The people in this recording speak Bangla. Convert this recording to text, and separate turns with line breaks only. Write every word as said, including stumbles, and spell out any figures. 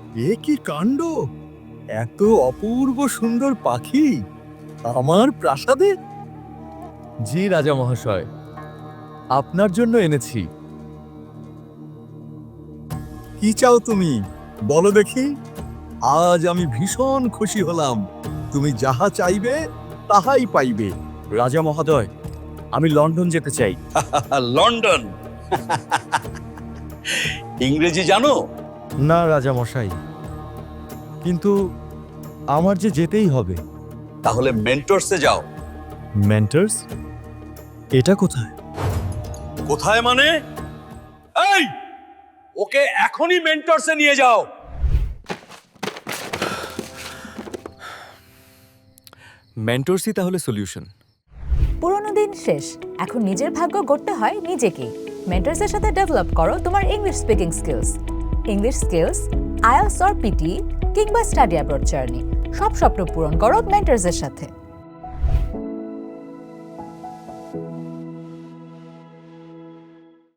এ কি কাণ্ড! এত অপূর্ব সুন্দর পাখি আমার প্রাসাদে! জি রাজা মহাশয়, আপনার জন্য এনেছি। কি চাও তুমি, বলো দেখি। আজ আমি ভীষণ খুশি হলাম। তুমি যাহা চাইবে তাহাই পাইবে। রাজা মহোদয়, আমি লন্ডন যেতে চাই।
লন্ডন? ইংরেজি জানো?
না রাজা মশাই, কিন্তু আমার যে যেতেই হবে।
তাহলে মেন্টরসে যাও।
মেন্টার্স? এটা কোথায়?
কোথায় মানে? এই, ওকে এখনই মেন্টরসে নিয়ে যাও।
মেন্টরসই তাহলে সলিউশন।
পুরোনো দিন শেষ, এখন নিজের ভাগ্য গড়তে হয় নিজেকেই। মেন্টরসের সাথে ডেভেলপ করো তোমার English speaking skills. English skills, IELTS or PT কিংবা স্টাডি অ্যাব্রড জার্নি, সব স্বপ্ন পূরণ করো মেন্টরসের সাথে।